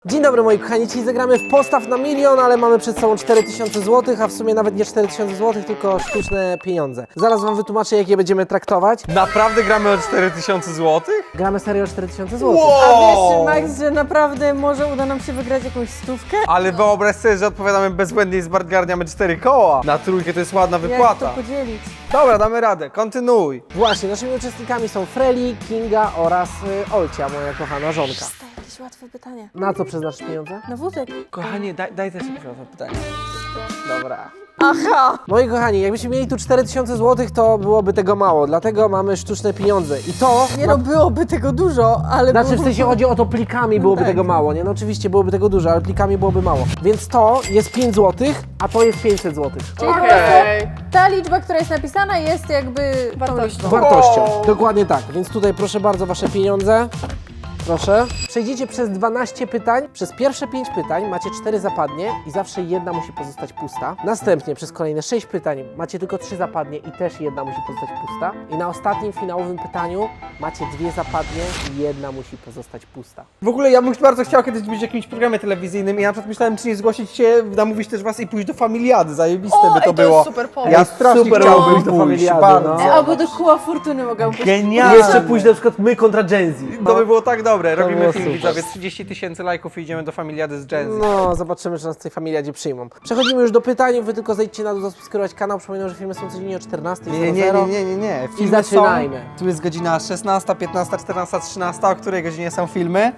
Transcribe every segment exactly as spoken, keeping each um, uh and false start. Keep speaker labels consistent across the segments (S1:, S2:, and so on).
S1: Dzień dobry moi kochani, dzisiaj zagramy w postaw na milion, ale mamy przed sobą cztery tysiące złotych, a w sumie nawet nie cztery tysiące złotych, tylko sztuczne pieniądze. Zaraz wam wytłumaczę, jak je będziemy traktować.
S2: Naprawdę gramy o cztery tysiące złotych?
S1: Gramy serio o cztery tysiące złotych.
S2: Wow!
S3: A wiesz, Max, że naprawdę może uda nam się wygrać jakąś stówkę?
S2: Ale wyobraź sobie, że odpowiadamy bezbłędnie i zbargarniamy cztery koła. Na trójkę to jest ładna
S3: Jak to
S2: wypłata.
S3: podzielić?
S2: Dobra, damy radę, kontynuuj.
S1: Właśnie, naszymi uczestnikami są Freli, Kinga oraz y, Olcia, moja kochana żonka.
S3: To jakieś łatwe pytanie.
S1: Na co przeznaczysz pieniądze?
S3: Na wózek.
S2: Kochanie, daj, daj też jakieś łatwe pytanie.
S1: Dobra.
S3: Aha!
S1: Moi kochani, jakbyśmy mieli tu cztery tysiące złotych, to byłoby tego mało, dlatego mamy sztuczne pieniądze. I to...
S3: Nie no, byłoby tego dużo, ale...
S1: Znaczy w
S3: byłoby-
S1: sensie chodzi o to plikami byłoby
S3: tak.
S1: tego mało, nie? No oczywiście byłoby tego dużo, ale plikami byłoby mało. Więc to jest pięć złotych, a to jest pięćset złotych.
S3: Czyli po prostu ta liczba, która jest napisana, jest jakby wartością.
S1: Wartością. Dokładnie tak. Więc tutaj proszę bardzo wasze pieniądze. Proszę. Przejdziecie przez dwanaście pytań. Przez pierwsze pięć pytań macie cztery zapadnie i zawsze jedna musi pozostać pusta. Następnie przez kolejne sześć pytań macie tylko trzy zapadnie i też jedna musi pozostać pusta. I na ostatnim finałowym pytaniu macie dwie zapadnie i jedna musi pozostać pusta.
S2: W ogóle ja bym bardzo chciał kiedyś być w jakimś programie telewizyjnym i ja na przykład myślałem, czy nie zgłosić się, namówić też was i pójść do Familiady. Zajebiste
S4: O,
S2: by to
S4: ej, to
S2: było.
S4: jest super pomysł.
S2: Ja strasznie
S1: Super
S2: chciałbym
S1: byłoby
S2: do
S1: pójść,
S2: Familiady,
S1: bardzo.
S2: bardzo.
S3: E, Albo do koła fortuny mogę pójść.
S2: Genialne.
S1: Jeszcze pójść na przykład my kontra Gen Z.
S2: To by było tak dobre.
S1: To
S2: Robimy
S1: było
S2: film,
S1: super.
S2: widzowie, trzydzieści tysięcy lajków i idziemy do Familiady z Gen Z.
S1: No, zobaczymy, czy nas w tej familiadzie przyjmą. Przechodzimy już do pytań, wy tylko zejdźcie na dół, zasubskrybować kanał. Przypominam, że filmy są codziennie o czternastej.
S2: Nie, nie, nie, nie, nie, nie.
S1: I
S2: Filmy
S1: zaczynajmy.
S2: Są, tu jest godzina szesnasta, piętnasta, czternasta, trzynasta. O której godzinie są filmy?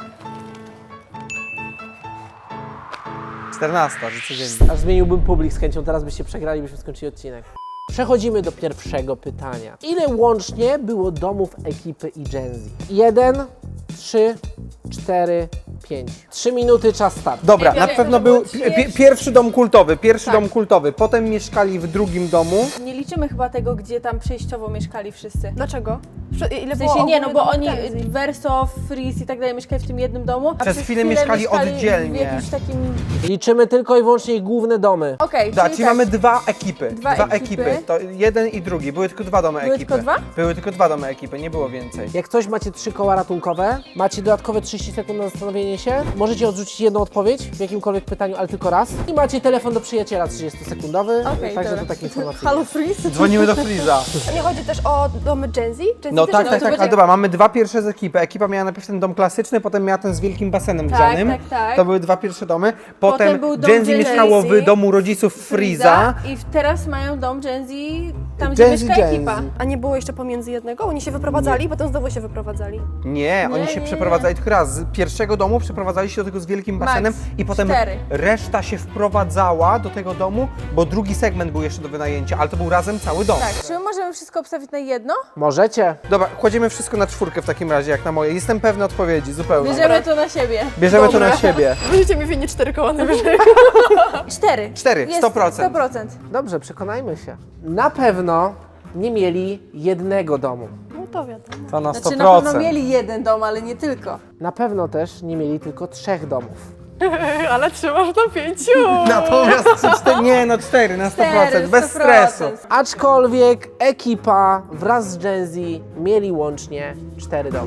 S2: czternasta, że codziennie.
S1: Aż zmieniłbym publik z chęcią, teraz byście przegrali, byśmy skończyli odcinek. Przechodzimy do pierwszego pytania. Ile łącznie było domów ekipy i Gen Z? Jeden, trzy, cztery, pięć. Trzy minuty, czas start.
S2: Dobra,
S4: Ja
S2: na
S4: wiem,
S2: pewno
S4: to
S2: był
S4: było
S2: pi-
S4: pierwszy-
S2: pierwszy dom kultowy, pierwszy
S3: Tak.
S2: dom kultowy. Potem mieszkali w drugim domu.
S3: Nie liczymy chyba tego, gdzie tam przejściowo mieszkali wszyscy.
S4: Dlaczego? Prze- Ile
S3: W
S4: było
S3: sensie nie, no
S4: ogólnie
S3: bo
S4: domów
S3: oni,
S4: Gen Z?
S3: Verso, Freeze i tak dalej mieszkali w tym jednym domu, a
S2: Przez chwilę mieszkali oddzielnie.
S3: w jakimś takim...
S1: Liczymy tylko i wyłącznie ich główne domy.
S3: Okej,
S2: Da,
S3: czyli
S2: czyli
S3: tak.
S2: mamy dwa ekipy.
S3: Dwa ekipy.
S2: To jeden i drugi. Były tylko dwa domy
S3: Były
S2: ekipy.
S3: tylko dwa?
S2: Były tylko dwa domy ekipy, nie było więcej.
S1: Jak coś macie trzy koła ratunkowe, macie dodatkowe trzydzieści sekund na zastanowienie się, możecie odrzucić jedną odpowiedź w jakimkolwiek pytaniu, ale tylko raz. I macie telefon do przyjaciela trzydziestosekundowy,
S3: Okej,
S1: także
S3: dobra.
S1: to takie informacje.
S3: Halo Freeze?
S2: Dzwonimy do Freeza.
S4: A nie chodzi też o domy Gen Z? Gen Z
S2: No
S4: też
S2: tak,
S4: nie-
S2: tak,
S3: to
S2: tak,
S3: będzie-
S2: ale dobra, mamy dwa pierwsze z ekipy. Ekipa miała najpierw ten dom klasyczny, potem miała ten z wielkim basenem
S3: Tak,
S2: grzanym.
S3: tak, tak.
S2: To były dwa pierwsze domy. Potem,
S3: Potem był dom
S2: Gen Z
S3: Gen
S2: mieszkało
S3: Z,
S2: w domu rodziców Freeza.
S3: I teraz mają dom Gen Z, tam gdzie
S2: Gen Z,
S3: mieszka
S2: Gen Z.
S3: ekipa.
S4: A nie było jeszcze pomiędzy jednego? Oni się wyprowadzali, potem znowu się wyprowadzali.
S2: Nie, oni
S3: Nie,
S2: się
S3: nie,
S2: przeprowadzali tylko raz. Z pierwszego domu przeprowadzali się do tego z wielkim
S3: Max,
S2: basenem i potem
S3: cztery.
S2: reszta się wprowadzała do tego domu, bo drugi segment był jeszcze do wynajęcia, ale to był razem cały dom.
S3: Tak, czy my możemy wszystko obstawić na jedno?
S1: Możecie.
S2: Dobra, kładziemy wszystko na czwórkę w takim razie, jak na moje. Jestem pewny odpowiedzi, zupełnie.
S3: Bierzemy to na siebie.
S2: Bierzemy to
S4: Dobra.
S2: na siebie.
S4: Będziecie mi winni cztery koła najwyżej.
S3: Cztery.
S2: Cztery,
S3: Jest
S2: sto procent.
S3: sto procent.
S1: Dobrze, przekonajmy się. Na pewno nie mieli jednego domu.
S4: No to wiadomo.
S2: To na sto
S3: Znaczy na pewno
S2: procent.
S3: mieli jeden dom, ale nie tylko.
S1: Na pewno też nie mieli tylko trzech domów.
S4: Ale trzymasz na pięciu.
S2: Natomiast trzy, cztery, nie no cztery na sto procent,
S3: Cztery,
S2: bez
S3: sto procent.
S2: stresu.
S1: Aczkolwiek ekipa wraz z Gen Z mieli łącznie cztery domy.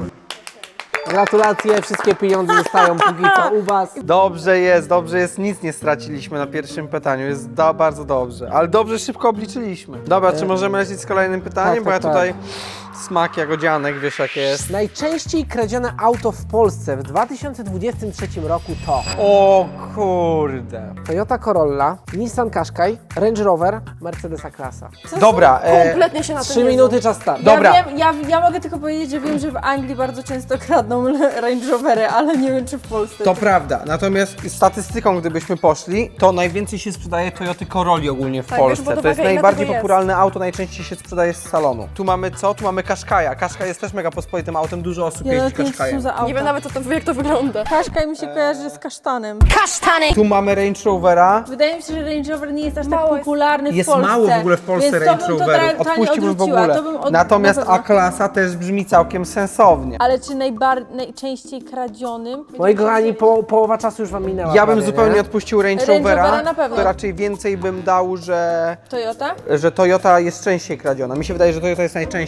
S1: Gratulacje, wszystkie pieniądze zostają póki co u was.
S2: Dobrze jest, dobrze jest, nic nie straciliśmy na pierwszym pytaniu, jest do, bardzo dobrze, ale dobrze szybko obliczyliśmy. Dobra, czy możemy lecieć z kolejnym pytaniem,
S1: tak,
S2: bo ja
S1: tak,
S2: tutaj smak jagodzianek, wiesz jak jest.
S1: Najczęściej kradzione auto w Polsce w dwa tysiące dwudziestym trzecim roku to
S2: O kurde.
S1: Toyota Corolla, Nissan Qashqai, Range Rover, Mercedes A-klasa.
S2: Dobra, e,
S4: Kompletnie się na tym
S1: Trzy
S4: nie
S1: minuty, czas start.
S2: Dobra.
S3: Ja, wiem, ja, ja mogę tylko powiedzieć, że wiem, że w Anglii bardzo często kradną Range Rovery, ale nie wiem, czy w Polsce.
S2: to prawda, natomiast statystyką gdybyśmy poszli, to najwięcej się sprzedaje Toyoty Corolli ogólnie w
S4: Tak,
S2: Polsce.
S4: bierz pod
S2: To jest
S4: uwagę, ile
S2: najbardziej
S4: tego jest.
S2: popularne auto, najczęściej się sprzedaje z salonu. Tu mamy co? Tu mamy Qashqai'a. Qashqai jest też mega pospolitym autem, dużo osób
S3: Ja
S2: jeździ
S3: nawet nie wiem, co są
S2: Qashqai'em.
S3: za auta.
S4: Nie wiem nawet, co to, jak to wygląda.
S3: Qashqai mi się kojarzy z kasztanem.
S2: Tu mamy Range Rovera.
S3: Wydaje mi się, że Range Rover nie jest aż
S4: Mało
S3: tak
S4: jest.
S3: popularny w
S2: Jest
S3: Polsce.
S2: mało w ogóle w Polsce
S3: Więc to
S2: Range
S3: bym
S2: Roverów,
S3: totalnie
S2: odpuśćmy w
S3: odrzuciła.
S2: ogóle.
S3: To bym od...
S2: Natomiast
S3: na pewno.
S2: A-klasa też brzmi całkiem sensownie.
S3: Ale czy najbar... najczęściej kradzionym?
S1: Moi kochani, po, połowa czasu już wam minęła.
S2: Ja bym
S1: prawie,
S2: zupełnie
S1: nie?
S2: odpuścił Range,
S3: Range
S2: Rovera,
S3: Rovera na pewno.
S2: to raczej więcej bym dał, że,
S3: Toyota?
S2: że Toyota jest częściej kradziona. Mi się wydaje, że Toyota jest najczęściej
S4: Bo jest
S2: kradziona.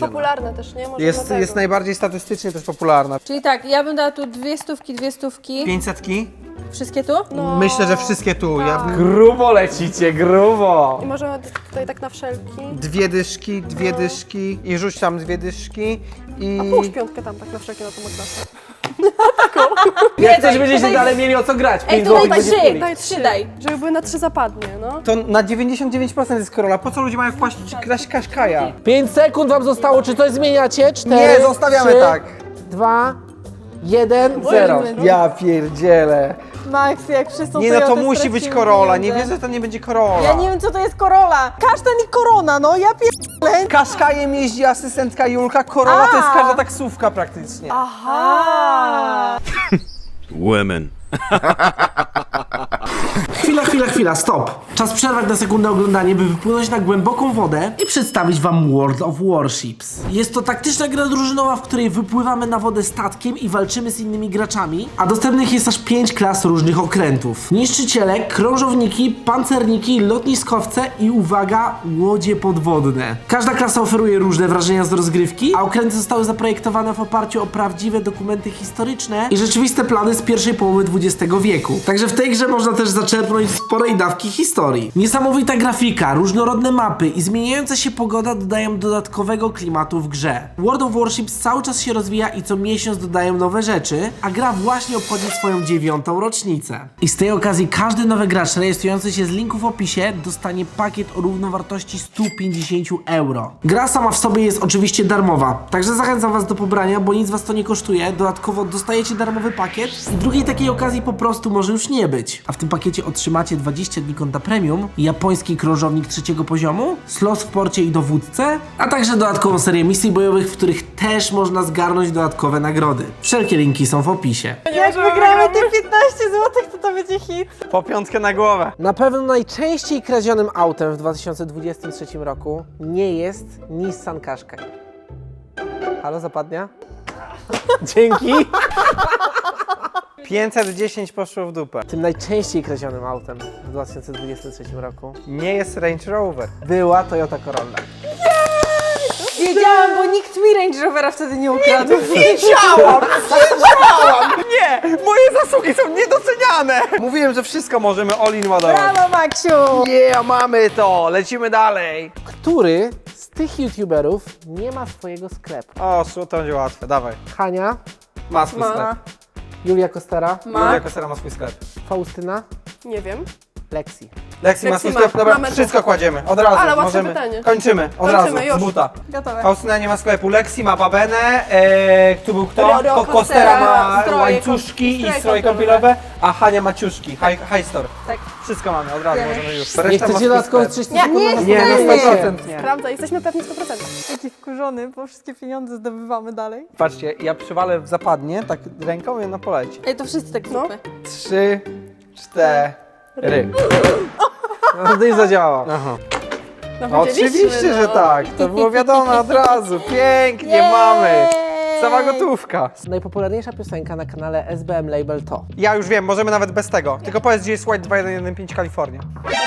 S4: popularne też, nie? Może
S2: Jest,
S4: dlatego.
S2: jest najbardziej statystycznie też popularna.
S3: Czyli tak, ja bym dała tu dwie stówki, dwie stówki.
S2: pięćsetki?
S3: Wszystkie tu?
S4: No.
S2: Myślę, że wszystkie tu. Ja bym...
S1: Grubo lecicie, grubo.
S4: I możemy tutaj tak na wszelki.
S2: Dwie dyszki, dwie dyszki i rzuć tam dwie dyszki i...
S4: A połóż piątkę tam tak na wszelki na tą klasę.
S1: Jak coś
S3: daj,
S1: będziecie
S3: tutaj-
S1: dalej mieli o co grać,
S3: Ej,
S1: pięć
S3: to daj
S1: złotych będzie
S3: trzy,
S1: wpłyli.
S3: daj trzy, daj.
S4: Żeby były na trzy zapadnie, no.
S2: To na dziewięćdziesiąt dziewięć procent jest korola. Po co ludzie mają kłaść kraść Kaszkaja?
S1: pięć sekund wam zostało, czy coś zmieniacie? cztery,
S2: Nie, zostawiamy
S1: trzy,
S2: tak.
S1: dwa, jeden, zero.
S2: Ja pierdzielę.
S3: Max, jak wszyscy
S2: Nie no, to musi być korola. Nie wierzę, że to nie będzie korola.
S3: Ja nie wiem, co to jest korola. Kasztan i korona, no ja pierdolę.
S2: Kaszkajem jeździ asystentka Julka, korola to jest
S3: A.
S2: każda taksówka praktycznie.
S3: Aha.
S5: Women.
S1: Chwila, chwila, chwila, stop. Czas przerwać na sekundę oglądanie, by wypłynąć na głęboką wodę i przedstawić wam World of Warships. Jest to taktyczna gra drużynowa, w której wypływamy na wodę statkiem i walczymy z innymi graczami, a dostępnych jest aż pięć klas różnych okrętów. Niszczyciele, krążowniki, pancerniki, lotniskowce i uwaga, łodzie podwodne. Każda klasa oferuje różne wrażenia z rozgrywki, a okręty zostały zaprojektowane w oparciu o prawdziwe dokumenty historyczne i rzeczywiste plany z pierwszej połowy dwudziestego wieku. Także w tej grze można też zaczerpnąć sporej dawki historii. Niesamowita grafika, różnorodne mapy i zmieniająca się pogoda dodają dodatkowego klimatu w grze. World of Warships cały czas się rozwija i co miesiąc dodają nowe rzeczy, a gra właśnie obchodzi swoją dziewiątą rocznicę. I z tej okazji każdy nowy gracz rejestrujący się z linku w opisie dostanie pakiet o równowartości sto pięćdziesiąt euro. Gra sama w sobie jest oczywiście darmowa, także zachęcam was do pobrania, bo nic was to nie kosztuje. Dodatkowo dostajecie darmowy pakiet i drugiej takiej okazji po prostu może już nie być. A w tym pakiecie otrzymacie dwadzieścia dni konta premium, japoński krążownik trzeciego poziomu, slot w porcie i dowódcę, a także dodatkową serię misji bojowych, w których też można zgarnąć dodatkowe nagrody. Wszelkie linki są w opisie.
S3: Jak wygramy te piętnaście złotych, to to będzie hit.
S2: Po piątkę na głowę.
S1: Na pewno najczęściej kradzionym autem w dwa tysiące dwudziestym trzecim roku nie jest Nissan Qashqai. Halo, zapadnia? Dzięki.
S2: pięćset dziesięć poszło w dupę.
S1: Tym najczęściej kradzionym autem w dwa tysiące dwudziestym trzecim roku
S2: Nie jest Range Rover.
S1: była Toyota Corolla.
S3: Wiedziałam, bo nikt mi Range Rovera wtedy nie ukradł.
S2: Wiedziałam! Wiedziałam! Nie! Moje zasługi są niedoceniane! Mówiłem, że wszystko możemy all-in ładować.
S3: Brawo, Maksiu!
S2: Yeah, mamy to! Lecimy dalej!
S1: Który z tych youtuberów nie ma swojego sklepu?
S2: O, su, to będzie łatwe, dawaj.
S1: Hania,
S2: Ma swój
S3: Ma.
S2: sklep.
S1: Julia Kostera,
S3: Ma.
S2: Julia Kostera ma swój sklep.
S1: Faustyna,
S4: Nie wiem.
S1: Lexi.
S2: Lexi ma
S4: Lexi
S2: swój
S4: ma.
S2: sklep, dobra,
S4: Mamy
S2: wszystko
S4: to.
S2: kładziemy, od razu.
S4: Ale łatwe
S2: możemy.
S4: pytanie.
S2: Kończymy, od
S4: Kończymy,
S2: razu,
S4: już.
S2: z buta.
S3: Gotowe.
S2: Faustyna nie ma sklepu, Lexi ma babenę, e, tu był kto?
S4: Ro- Ro-
S2: Ko- Kostera ma
S3: stroje
S2: łańcuszki
S3: kom-
S2: i
S3: stroje
S2: stroje kąpielowe, a Hania ma ciuszki, high, high store.
S3: Tak.
S2: Wszystko mamy, od razu
S3: Nie.
S2: możemy już.
S1: Nie
S2: Reszta ma
S1: chcecie
S2: swój
S1: dodatkowo
S2: sklep.
S1: trzydzieści
S3: Nie,
S1: sekund
S3: nie,
S1: na
S2: Nie,
S1: zastanowienie
S2: no
S1: się?
S2: sto procent nie.
S4: Prawda, jesteśmy pewni sto procent.
S3: Jaki wkurzony, bo wszystkie pieniądze zdobywamy dalej.
S2: Patrzcie, ja przywalę w zapadnie, tak ręką i ona poleci.
S3: Ej, to wszyscy tak
S4: No.
S3: zróbmy.
S2: Trzy, cztery.
S1: No to nie zadziała.
S2: Aha.
S4: No, wiedzieliśmy,
S2: Oczywiście,
S4: no.
S2: że tak. To było wiadomo od razu. Pięknie
S3: Jej!
S2: mamy. Cała gotówka.
S1: Najpopularniejsza piosenka na kanale S B M Label to
S2: Ja już wiem, możemy nawet bez tego. Tylko powiedz, gdzie jest White dwa jeden jeden pięć Kalifornia.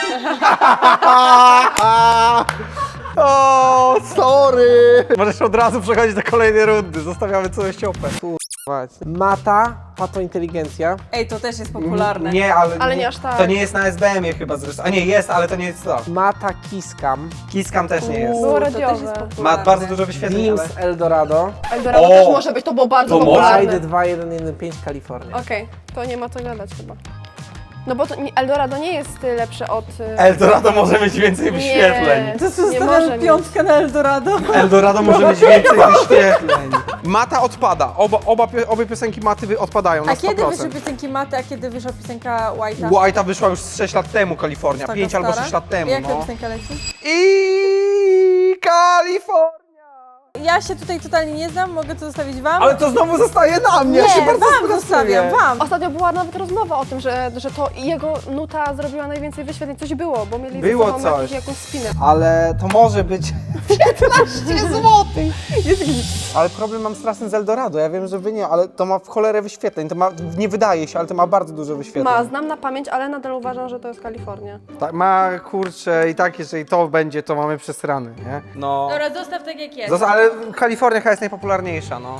S2: O, sorry. Możesz od razu przechodzić do kolejnej rundy. Zostawiamy całe ściopę.
S1: Mata, Pato Inteligencja,
S3: Ej, to też jest popularne.
S2: Nie, ale,
S4: Ale nie aż tak.
S2: To nie jest na S B M ie chyba zresztą. A nie, jest, ale to nie jest to.
S1: Mata Kiskam,
S2: Kiskam też nie jest.
S4: Było
S3: To też jest
S4: radiowe.
S2: Ma
S3: popularne.
S2: bardzo dużo wyświetleń,
S1: Dims
S2: ale...
S1: Eldorado,
S4: Eldorado
S2: O!
S4: też może być, to było bardzo
S2: To
S4: popularne.
S1: Ride dwa jeden jeden pięć Kalifornia.
S4: Okej, to nie ma co gadać chyba. No bo to, nie, Eldorado nie jest y, lepsze od... y,
S2: Eldorado może mieć więcej wyświetleń.
S4: Nie,
S3: To co,
S4: nie może
S3: zostawiamy
S4: mieć.
S3: piątkę na Eldorado?
S2: Eldorado może mieć więcej wyświetleń. Mata odpada. Oba, oba, pio- obie piosenki Maty wy- odpadają na
S3: A kiedy
S2: sto
S3: wyszły
S2: procent.
S3: piosenki Maty, a kiedy wyszła piosenka White'a?
S2: White'a wyszła już z sześć lat temu, Kalifornia.
S3: Taka
S2: pięć albo
S3: stara?
S2: sześć lat temu,
S3: Jaka
S2: no.
S3: piosenka leci?
S2: I Kalifornia!
S3: Ja się tutaj totalnie nie znam, mogę to zostawić wam?
S2: Ale to znowu zostaje na mnie, ja się
S3: nie,
S2: bardzo
S3: wam
S2: stresuję.
S3: zostawiam, wam!
S4: Ostatnio była nawet rozmowa o tym, że, że to jego nuta zrobiła najwięcej wyświetleń. Coś było, bo mieli
S2: Było
S4: ze sobą
S2: coś.
S4: Jakiś, jakąś spinę.
S2: Ale to może być piętnaście złotych. Ale problem mam straszny z Eldorado. Ja wiem, że wy nie, ale to ma w cholerę wyświetleń. To ma, nie wydaje się, ale to ma bardzo dużo wyświetleń.
S4: Ma, znam na pamięć, ale nadal uważam, że to jest Kalifornia.
S2: Tak, ma kurczę i tak, jeżeli to będzie, to mamy przesrany, nie? No.
S3: Dobra, zostaw tak jak jest.
S2: Zosta- ale Kalifornia chyba jest najpopularniejsza, no.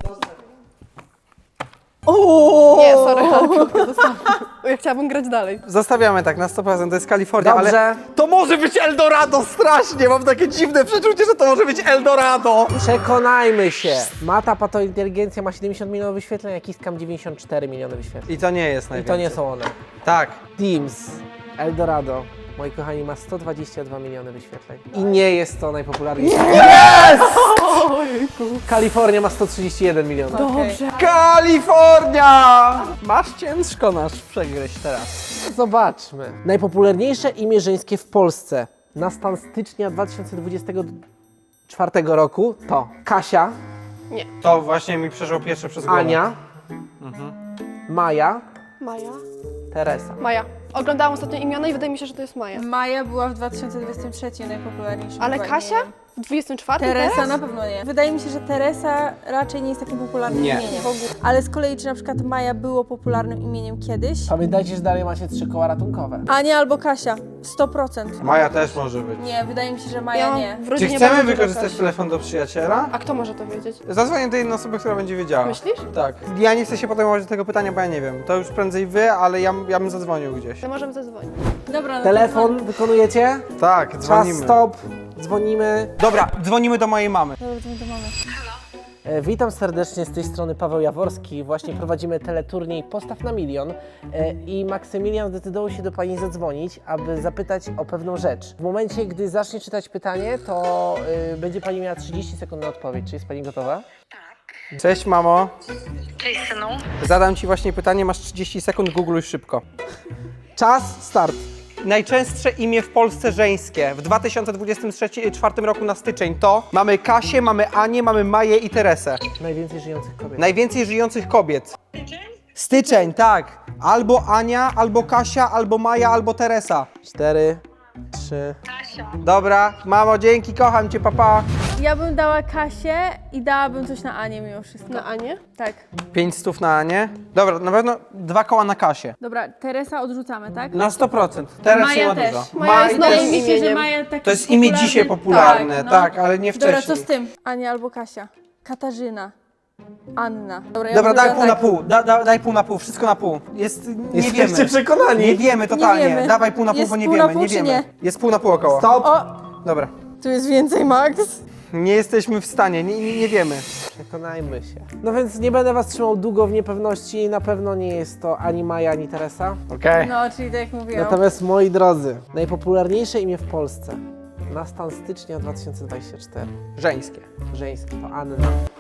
S4: Nie, sorry, ale krótko zostawiam. Ja chciałabym grać dalej.
S2: Zostawiamy tak, na sto procent, to jest Kalifornia,
S1: Dobrze.
S2: ale to może być Eldorado strasznie, mam takie dziwne przeczucie, że to może być Eldorado.
S1: Przekonajmy się. Mata Patointeligencja ma siedemdziesiąt milionów wyświetleń, a Kiskam dziewięćdziesiąt cztery miliony wyświetleń.
S2: I to nie jest
S1: I
S2: najwięcej.
S1: to nie są one.
S2: Tak.
S1: Teams Eldorado, moi kochani, ma sto dwadzieścia dwa miliony wyświetleń. I nie jest to najpopularniejsze. Kalifornia ma sto trzydzieści jeden milionów.
S3: Dobrze.
S2: Kalifornia! Masz ciężko nasz przegryźć teraz.
S1: Zobaczmy. Najpopularniejsze imię żeńskie w Polsce na stan stycznia dwa tysiące dwudziestego czwartego roku to Kasia,
S2: To właśnie mi przeszło pierwsze przez głowę.
S1: Ania, Maja,
S4: Maja?
S1: Teresa.
S4: Maja. Oglądałam ostatnio imiona i wydaje mi się, że to jest Maja.
S3: Maja była w dwa tysiące dwudziestym trzecim najpopularniejszym.
S4: Ale
S3: chyba
S4: Kasia?
S3: imieniem.
S4: W dwudziestym czwartym
S3: Teresa
S4: teraz?
S3: na pewno nie. Wydaje mi się, że Teresa raczej nie jest takim popularnym
S2: Nie.
S3: imieniem.
S4: W ogóle.
S3: Ale z kolei, czy na przykład Maja było popularnym imieniem kiedyś?
S1: Pamiętajcie, że dalej macie trzy koła ratunkowe.
S3: Ania albo Kasia. sto procent.
S2: Maja też może być.
S3: Nie, wydaje mi się, że Maja
S4: Ja mam
S3: nie.
S4: w
S2: Czy
S4: rodzinie
S2: chcemy
S4: bardzo dużo
S2: wykorzystać
S4: Kasi.
S2: telefon do przyjaciela?
S4: A kto może to wiedzieć?
S2: Zadzwonię do jednej osoby, która będzie wiedziała.
S4: Myślisz?
S2: Tak. Ja nie chcę się podejmować do tego pytania, bo ja nie wiem. To już prędzej wy, ale ja, ja bym zadzwonił gdzieś.
S4: To możemy zadzwonić.
S3: Dobra, no to
S1: Telefon wykonujecie?
S2: Tak,
S1: Czas
S2: dzwonimy.
S1: stop. Dzwonimy.
S2: Dobra, dzwonimy do mojej mamy.
S3: Dobra, to my to mamy.
S1: E, Witam serdecznie z tej strony Paweł Jaworski. Właśnie prowadzimy teleturniej Postaw na milion e, i Maksymilian zdecydował się do Pani zadzwonić, aby zapytać o pewną rzecz. W momencie, gdy zacznie czytać pytanie, to e, będzie Pani miała trzydzieści sekund na odpowiedź. Czy jest Pani gotowa?
S2: Cześć mamo.
S6: Cześć synu.
S2: Zadam ci właśnie pytanie, masz trzydzieści sekund, googluj szybko.
S1: Czas, start.
S2: Najczęstsze imię w Polsce żeńskie w dwa tysiące dwudziestym czwartym roku na styczeń to mamy Kasię, mamy Anię, mamy Maję i Teresę.
S1: Najwięcej żyjących kobiet.
S2: Najwięcej żyjących kobiet. Styczeń, tak. Albo Ania, albo Kasia, albo Maja, albo Teresa.
S1: Cztery, trzy.
S2: Dobra, mamo, dzięki, kocham cię, papa.
S3: Ja bym dała Kasię i dałabym coś na Anię mimo wszystko.
S4: Na Anię?
S3: Tak.
S2: Pięć stów na Anię. Dobra, na pewno dwa koła na Kasię.
S3: Dobra, Teresa odrzucamy, tak?
S2: Na sto procent. Teraz
S3: Maja
S2: nie ma
S3: też.
S2: dużo.
S4: Maja
S2: Maj
S4: jest
S2: też-
S3: Wydaje mi się, że
S4: imieniem.
S3: Maja taki
S2: To jest imię dzisiaj popularne,
S3: no.
S2: tak, ale nie
S3: Dobra,
S2: wcześniej.
S3: co z tym? Ania albo Kasia. Katarzyna. Anna. Dobra, ja
S2: Dobra,
S3: bym
S2: daj
S3: dała
S2: pół na
S3: tak.
S2: pół, da, da, daj pół na pół, wszystko na pół. Jest, nie
S1: Jesteście
S2: wiemy.
S1: przekonani?
S2: Nie wiemy totalnie.
S3: Nie wiemy.
S2: Dawaj pół na pół,
S3: Jest
S2: bo nie
S3: pół na
S2: wiemy,
S3: pół,
S2: nie
S3: czy
S2: wiemy.
S3: nie?
S2: Jest pół na pół około.
S1: Stop.
S3: O,
S2: Dobra.
S3: tu jest więcej, Max.
S2: Nie jesteśmy w stanie, nie, nie, nie wiemy.
S1: Przekonajmy się. No więc nie będę Was trzymał długo w niepewności. Na pewno nie jest to ani Maja, ani Teresa.
S2: Okej.
S3: No, czyli tak jak mówiłam.
S1: Natomiast moi drodzy, najpopularniejsze imię w Polsce na stan stycznia dwa tysiące dwudziestego czwartego.
S2: Żeńskie.
S1: Żeńskie to Anna.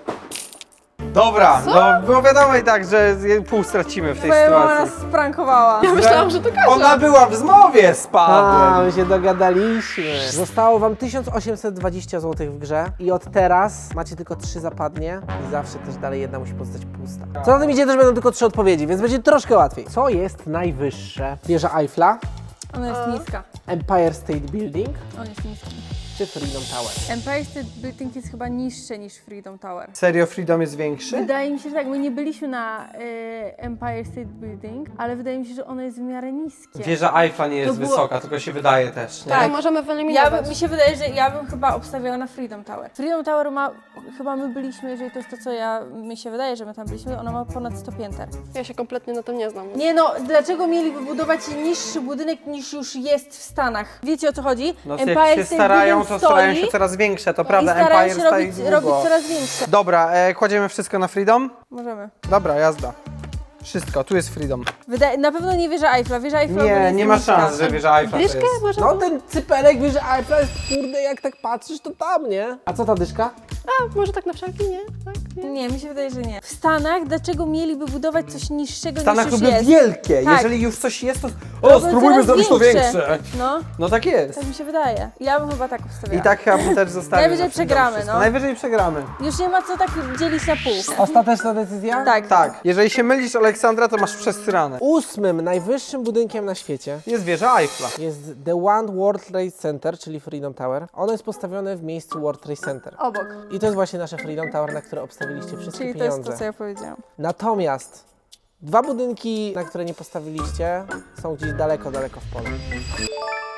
S2: Dobra, no było wiadomo i tak, że pół stracimy w tej
S3: Twoja mama nas
S2: sytuacji.
S3: sprankowała.
S4: Ja myślałam, że to Kasia.
S2: Ona była w zmowie z
S1: A,
S2: Pawłem.
S1: my się dogadaliśmy. Zostało Wam tysiąc osiemset dwadzieścia złotych w grze i od teraz macie tylko trzy zapadnie i zawsze też dalej jedna musi pozostać pusta. Co na tym idzie, też będą tylko trzy odpowiedzi, więc będzie troszkę łatwiej. Co jest najwyższe? Wieża Eiffla,
S3: Ona jest niska.
S1: Empire State Building
S3: On jest niski.
S1: czy Freedom Tower?
S3: Empire State Building jest chyba niższe niż Freedom Tower.
S2: Serio, Freedom jest większy?
S3: Wydaje mi się, że tak, my nie byliśmy na y, Empire State Building, ale wydaje mi się, że ono jest w miarę niskie.
S2: Wieża Eiffla nie jest
S3: To było-
S2: wysoka, tylko się wydaje też. Nie?
S4: To
S3: Tak.
S4: możemy
S3: Ja
S4: wyeliminować.
S3: by, mi się wydaje, że ja bym chyba obstawiała na Freedom Tower. Freedom Tower ma, chyba my byliśmy, jeżeli to jest to, co ja, mi się wydaje, że my tam byliśmy, ona ma ponad sto pięter.
S4: Ja się kompletnie na tym nie znam.
S3: Nie no, dlaczego mieliby budować niższy budynek niż już jest w Stanach? Wiecie o co chodzi?
S2: No jak się starają, to starają się coraz większe, to prawda,
S3: i starają
S2: Empire
S3: się
S2: stoi
S3: robić,
S2: długo.
S3: robić coraz większe.
S2: Dobra, e, kładziemy wszystko na Freedom?
S3: Możemy.
S2: Dobra, jazda. Wszystko, tu jest Freedom.
S3: Wydaje, na pewno nie wieża Eiffla, wieża Eiffla
S2: Nie,
S3: jest
S2: nie ma
S3: niska.
S2: szans, że wieża Eiffla to
S4: Dyszkę
S2: jest.
S4: może?
S1: No ten cypelek wieży Eiffla jest, kurde, jak tak patrzysz, to tam, nie? A co ta dyszka?
S4: A, może tak na wszelki, nie? Tak, nie?
S3: Nie, mi się wydaje, że nie. W Stanach dlaczego mieliby budować coś niższego
S2: W Stanach
S3: niż już
S2: robią
S3: jest?
S2: wielkie,
S3: Tak.
S2: jeżeli już coś jest, to o,
S3: Robią
S2: spróbujmy
S3: coraz
S2: zrobić to
S3: większe.
S2: większe.
S3: No,
S2: No tak jest.
S3: tak mi się wydaje. Ja bym chyba tak obstawiała.
S2: I tak chyba bym też zostawił.
S3: Najwyżej
S2: na Freedom
S3: przegramy,
S2: wszystko.
S3: no.
S2: Najwyżej przegramy.
S3: Już nie ma co tak dzielić na pół.
S1: Ostateczna decyzja?
S3: Tak.
S2: Tak, jeżeli się mylisz, Aleksandra, to masz przesrane.
S1: Ósmym najwyższym budynkiem na świecie
S2: Jest wieża Eiffla.
S1: jest The One World Trade Center, czyli Freedom Tower. Ono jest postawione w miejscu World Trade Center.
S3: Obok.
S1: I to jest właśnie nasze Freedom Tower, na które obstawiliście wszystkie
S3: Czyli to jest
S1: pieniądze.
S3: to, co ja powiedziałam.
S1: Natomiast dwa budynki, na które nie postawiliście, są gdzieś daleko, daleko w polu.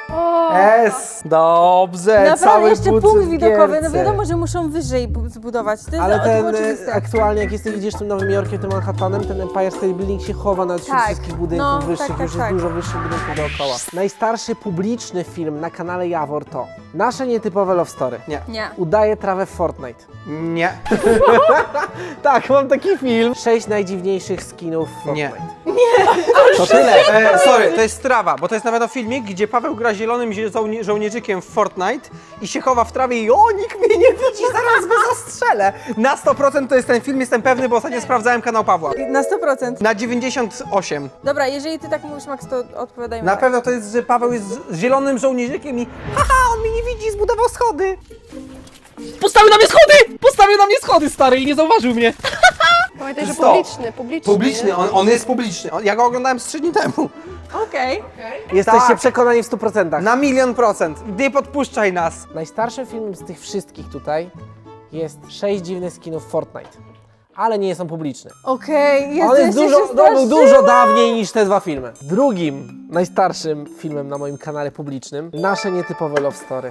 S4: O,
S2: S. Dobrze,
S3: Naprawdę,
S2: cały
S3: jeszcze
S2: budżet
S3: punkt
S2: w
S3: widokowy, no
S2: gierce.
S3: wiadomo, że muszą wyżej bu- zbudować. To jest
S1: Ale
S3: o-
S1: ten
S3: to
S1: e,
S3: oczywiste.
S1: aktualnie, jak jesteś, widzisz tym Nowym Jorkiem, tym Manhattanem, ten Empire State Building się chowa nad wśród
S3: Tak.
S1: wszystkich budynków
S3: No,
S1: wyższych,
S3: tak, tak,
S1: już jest
S3: tak.
S1: dużo wyższych budynków dookoła. Najstarszy publiczny film na kanale Jawor to Nasze nietypowe love story.
S2: Nie.
S3: Nie.
S1: Udaje trawę w Fortnite.
S2: Nie.
S1: Tak, mam taki film. Sześć najdziwniejszych skinów w
S2: Nie.
S1: Fortnite. To tyle.
S2: E, sorry, to jest strawa, bo to jest na pewno filmik, gdzie Paweł gra zielonym zie- żołni- żołnierzykiem w Fortnite i się chowa w trawie i o, nikt mnie nie widzi, zaraz go zastrzelę. Na sto procent to jest ten film, jestem pewny, bo ostatnio sprawdzałem kanał Pawła.
S3: Na sto procent.
S2: Na dziewięćdziesiąt osiem.
S3: Dobra, jeżeli ty tak mówisz, Max, to odpowiadajmy
S2: Na
S3: tak.
S2: pewno to jest, że Paweł jest z- zielonym żołnierzykiem i haha, on mnie nie widzi, zbudował schody.
S1: Postawił na mnie schody! Postawił na mnie schody, stary, i nie zauważył mnie.
S4: pamiętaj, że
S2: Sto.
S4: publiczny, publiczny.
S2: Publiczny,
S4: nie?
S2: on, on jest publiczny. On, ja go oglądałem z trzy dni temu.
S3: Okej.
S1: Jesteście
S2: Tak.
S1: przekonani w stu procentach.
S2: Na milion procent. Nie podpuszczaj nas.
S1: Najstarszym filmem z tych wszystkich tutaj jest Sześć dziwnych skinów w Fortnite. Ale nie są publiczne.
S3: Okej, jest,
S1: On jest
S3: ja się
S1: dużo, to był
S3: straszyłam.
S1: dużo dawniej niż te dwa filmy. Drugim najstarszym filmem na moim kanale publicznym Nasze nietypowe love story.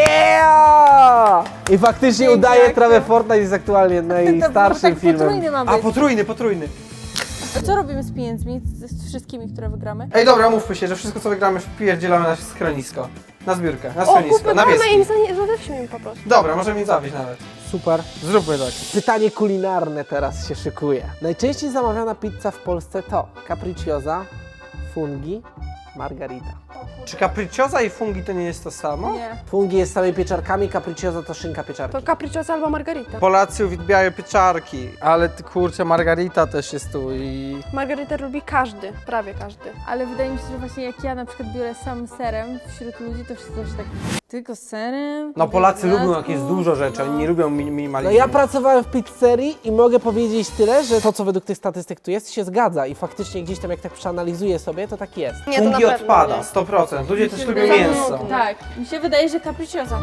S2: Yeah!
S1: I faktycznie
S3: Piękna
S1: udaje
S3: akcja.
S1: trawę Fortnite jest aktualnie
S3: To
S1: najstarszym
S3: tak
S1: filmem.
S3: potrójny ma
S2: A
S3: być.
S2: potrójny, potrójny.
S3: A co robimy z pieniędzmi, z, z wszystkimi, które wygramy?
S2: Ej, dobra, mówmy się, że wszystko co wygramy wpierdzielamy na schronisko. Na zbiórkę, na
S4: O,
S2: schronisko,
S4: kupmy
S2: na
S4: mamy
S2: wieski.
S4: im, za- zadawśmy im po prostu.
S2: Dobra, możemy im zawieźć nawet.
S1: Super.
S2: Zróbmy tak.
S1: Pytanie kulinarne teraz się szykuje. Najczęściej zamawiana pizza w Polsce to capricciosa, fungi, margarita.
S2: Czy capricciosa i fungi to nie jest to samo?
S3: Nie.
S1: Fungi jest z samymi pieczarkami, capricciosa to szynka pieczarki.
S4: To capricciosa albo margarita.
S2: Polacy uwielbiają pieczarki, ale ty, kurczę, margarita też jest tu i...
S4: Margaritę lubi każdy, prawie każdy.
S3: Ale wydaje mi się, że właśnie jak ja na przykład biorę sam serem wśród ludzi, to wszyscy zawsze tak tylko serem.
S2: No Polacy
S3: dodatku.
S2: lubią jak jest dużo rzeczy, oni nie lubią mi-
S1: No
S2: minimalizmu.
S1: ja pracowałem w pizzerii i mogę powiedzieć tyle, że to, co według tych statystyk tu jest, się zgadza i faktycznie gdzieś tam jak tak przeanalizuję sobie, to tak jest.
S4: Nie, to na
S2: Fungi
S4: pewno
S2: odpada,
S4: nie.
S2: sto procent. Ludzie też lubią
S3: Wydaje-
S2: mięso.
S3: Tak, mi się wydaje, że capricciosa.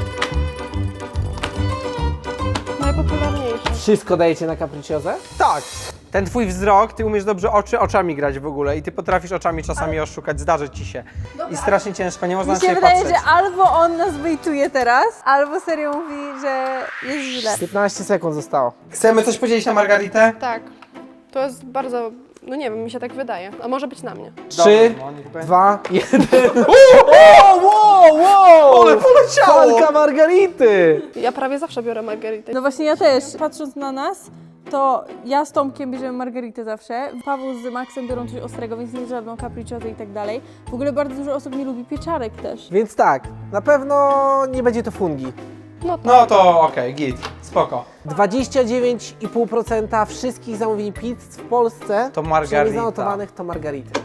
S4: Najpopularniejsze.
S1: Wszystko dajecie na capricciosę?
S2: Tak. Ten twój wzrok, ty umiesz dobrze oczy, oczami grać w ogóle i ty potrafisz oczami czasami oszukać, zdarzy ci się. I strasznie ciężko, nie można
S3: Mi
S2: na
S3: się
S2: siebie
S3: wydaje,
S2: patrzeć.
S3: że albo on nas wejtuje teraz, albo serio mówi, że jest źle.
S1: piętnaście sekund zostało.
S2: Chcemy coś podzielić na margaritę?
S4: Tak. To jest bardzo, no nie wiem, mi się tak wydaje. A może być na mnie.
S1: Trzy,
S2: Dobra, no, niech będzie.
S1: dwa, jeden. Wow, wow, wow!
S2: Ale poleciało!
S1: Falka margarity!
S4: Ja prawie zawsze biorę margaritę.
S3: No właśnie ja też. Patrząc na nas, to ja z Tomkiem bierzemy margaritę zawsze, Paweł z Maxem biorą coś ostrego, więc nie żadną capricciosę i tak dalej. W ogóle bardzo dużo osób nie lubi pieczarek też.
S1: Więc tak, na pewno nie będzie to fungi.
S4: No to.
S2: No to okej, git, spoko.
S1: dwadzieścia dziewięć i pół procent wszystkich zamówień pizz w Polsce,
S2: To margarita.
S1: przynajmniej zanotowanych, to margarity.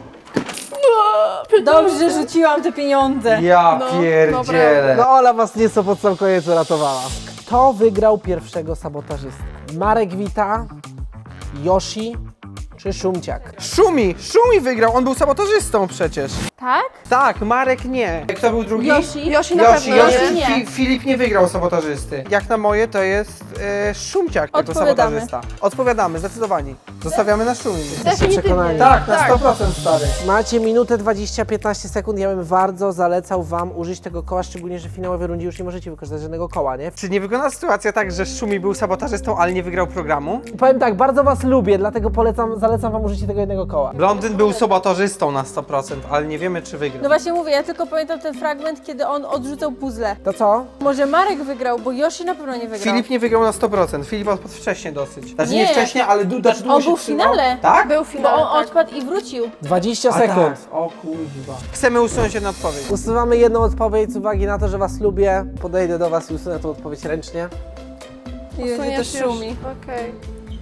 S3: Dobrze, że rzuciłam te pieniądze.
S2: Ja
S4: No,
S2: pierdzielę.
S1: No Ola was nieco pod sam koniec uratowała. Kto wygrał pierwszego sabotażystę? Marek Wita, Yoshi czy Szumciak?
S2: Szumi, Szumi wygrał, on był sabotażystą przecież.
S3: Tak?
S2: Tak, Marek nie. Kto był drugi?
S3: Yoshi?
S4: Yoshi na
S2: Yoshi,
S4: pewno
S2: Yoshi.
S4: nie.
S3: nie.
S2: Fi- Filip nie wygrał sabotażysty. Jak na moje to jest e, Szumciak jako
S3: Odpowiadamy.
S2: sabotażysta. Odpowiadamy, zdecydowanie. Zostawiamy na Szumi.
S4: Definitywnie.
S1: przekonani.
S2: Tak, na sto procent stary.
S1: Macie minutę dwadzieścia piętnaście sekund, ja bym bardzo zalecał wam użyć tego koła, szczególnie, że w finałowej rundzie już nie możecie wykorzystać żadnego koła, nie?
S2: Czy nie wygląda sytuacja tak, że Szumi był sabotażystą, ale nie wygrał programu?
S1: Powiem tak, bardzo was lubię, dlatego polecam, zalecam wam użycie tego jednego koła.
S2: Blondyn był sabotażystą na sto procent, ale nie wiemy czy wygrał.
S3: No właśnie mówię, ja tylko pamiętam ten fragment, kiedy on odrzucał puzzle.
S1: To co?
S3: Może Marek wygrał, bo Yoshi na pewno nie wygrał.
S2: Filip nie wygrał na sto procent. Filip odpadł wcześnie dosyć. Znaczy nie,
S3: Nie.
S2: wcześnie, ale du- znaczy długo
S3: On
S2: się
S3: był w
S2: trzymał.
S3: finale.
S2: Tak?
S4: Był w
S3: Bo
S4: finale,
S3: on
S4: tak.
S3: odpadł i wrócił.
S1: dwadzieścia
S2: A
S1: sekund.
S2: tak. O kurwa. Chcemy usunąć jedną odpowiedź.
S1: Usuwamy jedną odpowiedź z uwagi na to, że was lubię. Podejdę do was i usunę tą odpowiedź ręcznie.
S3: I będzie to
S4: Usuniesz już.
S3: szumi.
S4: Okej.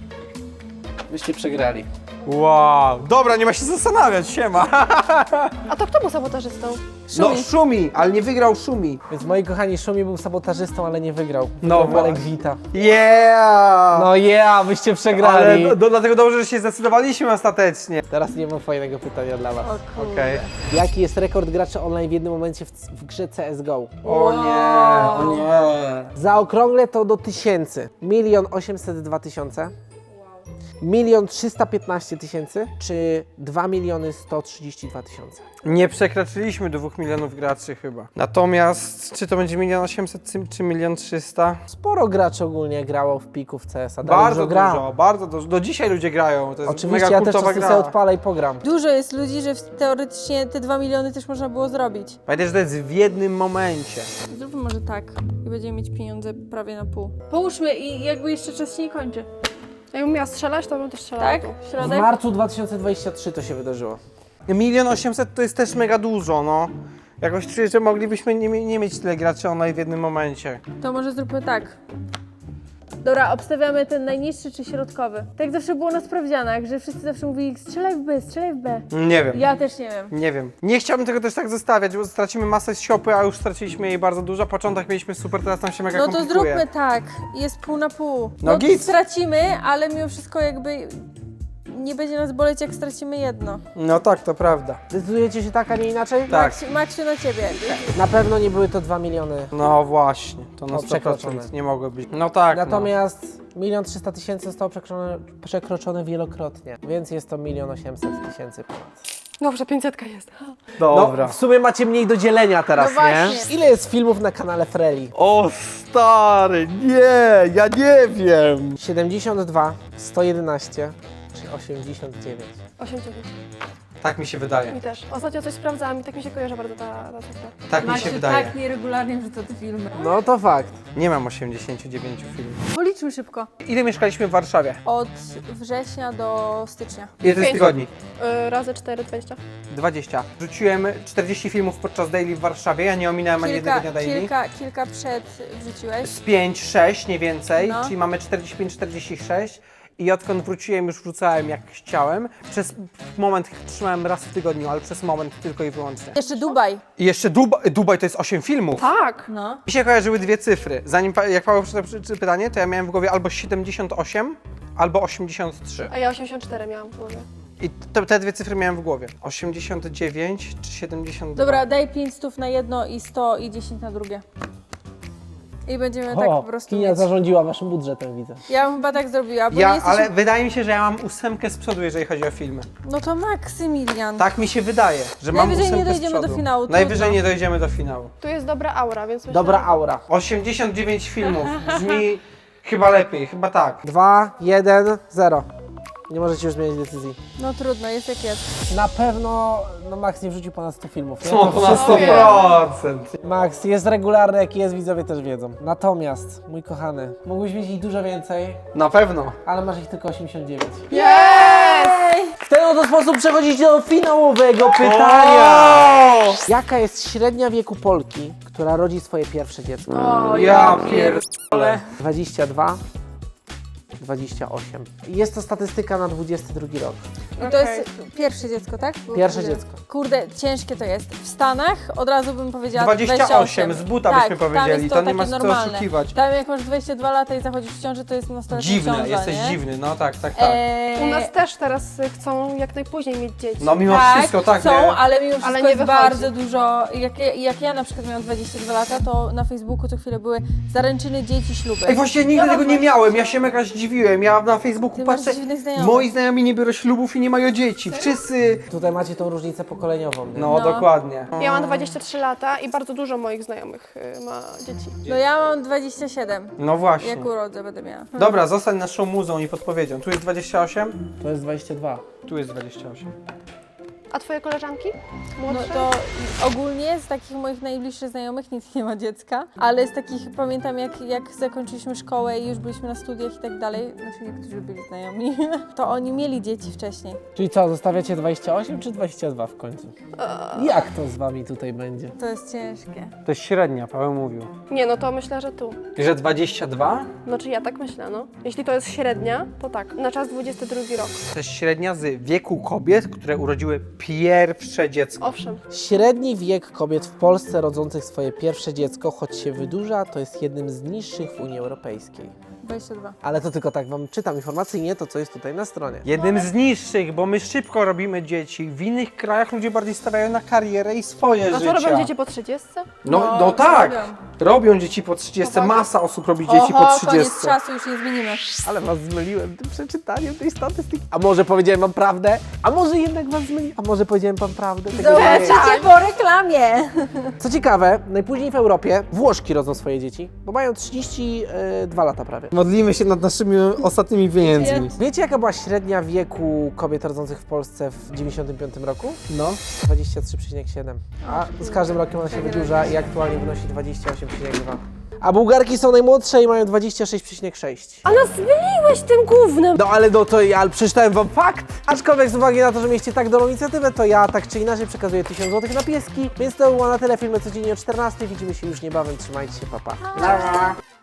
S1: Wyście przegrali.
S2: Wow. Dobra, nie ma się zastanawiać, siema.
S4: A to kto był sabotażystą?
S2: No
S3: Szumi.
S2: Szumi, ale nie wygrał Szumi.
S1: Więc moi kochani, Szumi był sabotażystą, ale nie wygrał.
S2: No
S1: Wygrał Marek
S2: właśnie.
S1: Wita.
S2: Yeah!
S1: No yeah, wyście przegrali.
S2: ale do, do, dlatego dobrze, że się zdecydowaliśmy ostatecznie.
S1: Teraz nie mam fajnego pytania dla was.
S3: O kurde.
S2: Okej.
S1: Jaki jest rekord graczy online w jednym momencie w, w grze C S G O?
S2: O nie, o nie.
S1: Zaokrąglę to do tysięcy. Milion osiemset dwa tysiące. milion trzysta piętnaście tysięcy czy dwa miliony sto trzydzieści dwa tysiące?
S2: Nie przekroczyliśmy dwóch milionów graczy chyba. Natomiast czy to będzie milion osiemset czy milion trzysta?
S1: Sporo graczy ogólnie grało w piku w C S a. dalej
S2: Bardzo
S1: gra.
S2: dużo, bardzo dużo. Do dzisiaj ludzie grają. To jest
S1: Oczywiście,
S2: mega
S1: ja też
S2: kultowa
S1: czasem
S2: gra.
S1: sobie odpalę i pogram.
S3: Dużo jest ludzi, że w- teoretycznie te dwa miliony też można było zrobić.
S2: Pamiętaj, że to jest w jednym momencie.
S3: Zróbmy może tak i będziemy mieć pieniądze prawie na pół. Połóżmy i jakby jeszcze czas się nie kończy.
S4: Jakbym miała strzelać, to bym też strzelała.
S3: Tak?
S4: tu.
S1: W
S3: Środek?
S1: marcu dwa tysiące dwudziestym trzecim to się wydarzyło.
S2: Milion osiemset to jest też mega dużo, no. Jakoś czuję, że moglibyśmy nie, mie- nie mieć tyle graczy online w jednym momencie.
S3: To może zróbmy tak. Dobra, obstawiamy ten najniższy czy środkowy. Tak jak zawsze było na sprawdzianach, że wszyscy zawsze mówili strzelaj w B, strzelaj w B.
S2: Nie wiem.
S3: Ja też nie wiem.
S2: Nie wiem. Nie chciałbym tego też tak zostawiać, bo stracimy masę z siopy, a już straciliśmy jej bardzo dużo. Początek mieliśmy super, teraz nam się mega
S3: No to
S2: komplikuje.
S3: zróbmy tak. Jest pół na pół.
S2: No
S3: No
S2: git.
S3: stracimy, ale mimo wszystko jakby nie będzie nas boleć, jak stracimy jedno.
S2: No tak, to prawda.
S1: Decydujecie się tak, a nie inaczej?
S2: Tak.
S3: Maksiu, Maksiu na ciebie.
S1: Na pewno nie były to dwa miliony.
S2: No właśnie, to na
S1: O,
S2: sto
S1: przekroczone.
S2: procent nie mogło być. No tak,
S1: Natomiast milion trzysta tysięcy zostało przekroczone, przekroczone wielokrotnie, więc jest to milion osiemset tysięcy ponad.
S4: Dobrze, pięćsetka jest.
S2: no. Dobra.
S1: No, w sumie macie mniej do dzielenia teraz,
S3: No
S1: nie?
S3: właśnie.
S1: Ile jest filmów na kanale Freli?
S2: O stary, nie, ja nie wiem.
S1: siedemdziesiąt dwa, sto jedenaście czy osiemdziesiąt dziewięć?
S4: osiemdziesiąt.
S2: Tak mi się wydaje.
S4: Mi też. Ostatnio coś sprawdzałam i tak mi się kojarzy bardzo ta, ta cyfra.
S2: Tak mi się wydaje.
S3: tak nieregularnie wrzuca te filmy.
S1: No to fakt.
S2: Nie mam osiemdziesięciu dziewięciu filmów.
S3: Policzmy szybko.
S2: Ile mieszkaliśmy w Warszawie?
S3: Od września do stycznia.
S2: Ile to jest
S4: Pięć.
S2: tygodni?
S4: Yy, razy cztery, dwadzieścia.
S2: dwadzieścia. Rzuciłem czterdzieści filmów podczas daily w Warszawie, ja nie ominąłem ani jednego
S3: Kilka,
S2: dnia daily.
S3: kilka, kilka przed wrzuciłeś.
S2: Z pięć, sześć, nie więcej,
S3: No.
S2: czyli mamy czterdzieści pięć, czterdzieści sześć. I odkąd wróciłem, już wrzucałem jak chciałem. Przez moment trzymałem raz w tygodniu, ale przez moment tylko i wyłącznie.
S3: Jeszcze Dubaj.
S2: I jeszcze Dubaj, Dubaj to jest osiem filmów.
S4: Tak!
S3: No.
S2: Mi się kojarzyły dwie cyfry. Zanim, pa- jak Paweł przeczytał przy- pytanie, to ja miałem w głowie albo siedemdziesiąt osiem, albo osiemdziesiąt trzy.
S4: A ja osiemdziesiąt cztery miałam w głowie.
S2: I te, te dwie cyfry miałem w głowie. osiemdziesiąt dziewięć czy siedemdziesiąt dwa?
S3: Dobra, daj pięć stów na jedno i sto i dziesięć na drugie. I będziemy tak po prostu
S1: Kinia
S3: mieć.
S1: zarządziła waszym budżetem, widzę.
S3: Ja bym chyba tak zrobiła, bo nie
S2: Ja,
S3: jesteśmy...
S2: ale wydaje mi się, że ja mam ósemkę z przodu, jeżeli chodzi o filmy.
S3: No to Maksymilian.
S2: Tak mi się wydaje, że mam
S3: Najwyżej nie
S2: ósemkę z
S3: dojdziemy do
S2: przodu.
S3: finału,
S2: Najwyżej
S3: trudno.
S2: nie dojdziemy do finału.
S4: Tu jest dobra aura, więc myślę...
S1: Dobra aura.
S2: osiemdziesiąt dziewięć filmów. Brzmi chyba lepiej, chyba tak.
S1: dwa, jeden, zero. Nie możecie już zmienić decyzji.
S3: No trudno, jest jak jest.
S1: Na pewno, no Max nie wrzucił ponad sto filmów. Nie?
S2: Co,
S1: To
S2: to na
S1: wszystko
S2: sto
S1: wie.
S2: procent.
S1: Max jest regularny, jaki jest, widzowie też wiedzą. Natomiast, mój kochany, mógłbyś mieć ich dużo więcej,
S2: Na pewno.
S1: ale masz ich tylko osiemdziesiąt dziewięć.
S3: Ej!
S1: W ten oto sposób przechodzicie do finałowego pytania. Jaka jest średnia wieku Polki, która rodzi swoje pierwsze dziecko?
S3: O,
S2: Ja pierdolę.
S1: dwadzieścia dwa, dwadzieścia osiem. I jest to statystyka na dwudziesty drugi rok.
S3: I to jest pierwsze dziecko, tak? Było
S1: Pierwsze
S3: powiedziane.
S1: dziecko.
S3: Kurde, ciężkie to jest. W Stanach od razu bym powiedziała
S2: dwadzieścia osiem, z buta
S3: tak,
S2: byśmy powiedzieli,
S3: tam jest to,
S2: to nie
S3: takie
S2: ma co
S3: normalne.
S2: oszukiwać.
S3: Tam jak masz dwadzieścia dwa lata i zachodzisz w ciąży, to jest nastoletnia
S2: Dziwne,
S3: ciąża,
S2: jesteś
S3: nie?
S2: dziwny, no tak, tak, tak.
S3: Eee,
S4: U nas też teraz y, chcą jak najpóźniej mieć dzieci.
S2: No mimo
S3: tak,
S2: wszystko, tak.
S3: chcą,
S2: nie?
S3: ale mimo wszystko
S4: Ale nie
S3: jest
S4: wychodzi.
S3: bardzo dużo. Jak, ja- jak ja na przykład miałam dwadzieścia dwa lata, to na Facebooku co chwilę były zaręczyny, dzieci, śluby.
S2: Ej, właśnie nigdy tego nie miałem, ja się mega zdziwiłem. Ja na Facebooku
S3: Ty masz
S2: patrzę,
S3: dziwnych znajomych.
S2: moi znajomi nie biorą ślubów i nie mają dzieci. Wszyscy.
S1: Tutaj macie tą różnicę pokoleniową. Nie?
S2: No,
S3: No.
S2: dokładnie.
S4: Ja mam dwadzieścia trzy lata i bardzo dużo moich znajomych y, ma dzieci.
S3: No ja mam dwadzieścia siedem.
S2: No właśnie.
S3: Jak urodzę będę miała.
S2: Dobra, zostań naszą muzą i podpowiedzią. Tu jest dwadzieścia osiem,
S1: To jest dwadzieścia dwa.
S2: tu jest dwadzieścia osiem.
S4: A twoje koleżanki?
S3: No
S4: Młodsze?
S3: to ogólnie z takich moich najbliższych znajomych nikt nie ma dziecka, ale z takich pamiętam jak, jak zakończyliśmy szkołę i już byliśmy na studiach i tak dalej, znaczy niektórzy byli znajomi, to oni mieli dzieci wcześniej.
S1: Czyli co, zostawiacie dwadzieścia osiem czy dwadzieścia dwa w końcu? Jak to z wami tutaj będzie?
S3: To jest ciężkie.
S2: To jest średnia, Paweł mówił.
S4: Nie, no to myślę, że tu.
S2: I że dwadzieścia dwa?
S4: Znaczy ja tak myślę, no. Jeśli to jest średnia, to tak. Na czas dwudziesty drugi rok.
S2: To jest średnia z wieku kobiet, które urodziły pierwsze dziecko.
S4: Owszem.
S1: Średni wiek kobiet w Polsce rodzących swoje pierwsze dziecko, choć się wydłuża, to jest jednym z niższych w Unii Europejskiej.
S3: dwadzieścia dwa.
S1: Ale to tylko tak wam czytam informacyjnie to, co jest tutaj na stronie.
S2: Jednym z niższych, bo my szybko robimy dzieci. W innych krajach ludzie bardziej stawiają na karierę i swoje
S4: A
S2: życia.
S4: co robią dzieci po trzydziestce?
S2: No, no tak!
S3: robią.
S2: Robią dzieci po trzydziestce, masa osób robi dzieci po
S3: Oho, koniec
S2: trzydziestce.
S3: czasu, już nie zmienimy.
S1: Ale was zmyliłem tym przeczytaniem tej statystyki. A może powiedziałem wam prawdę? A może jednak was zmyliłem? A może powiedziałem wam prawdę? Tego nie wiem.
S3: Zobaczycie po reklamie.
S1: Co ciekawe, najpóźniej w Europie Włoszki rodzą swoje dzieci, bo mają trzydzieści dwa lata prawie.
S2: Modlimy się nad naszymi ostatnimi pieniędzmi.
S1: Wiecie, jaka była średnia wieku kobiet rodzących w Polsce w dziewięćdziesiątym piątym roku?
S2: No.
S1: dwadzieścia trzy przecinek siedem. A z każdym rokiem ona się wydłuża i aktualnie wynosi dwadzieścia osiem przecinek dwa. A Bułgarki są najmłodsze i mają dwadzieścia sześć przecinek sześć.
S4: A nas zmyliłeś tym gównem!
S1: No ale no to ja przeczytałem wam fakt. Aczkolwiek z uwagi na to, że mieliście tak dobrą inicjatywę, to ja tak czy inaczej przekazuję tysiąc złotych na pieski. Więc to było na tyle. Filmy codziennie o czternastej. Widzimy się już niebawem. Trzymajcie się, pa pa.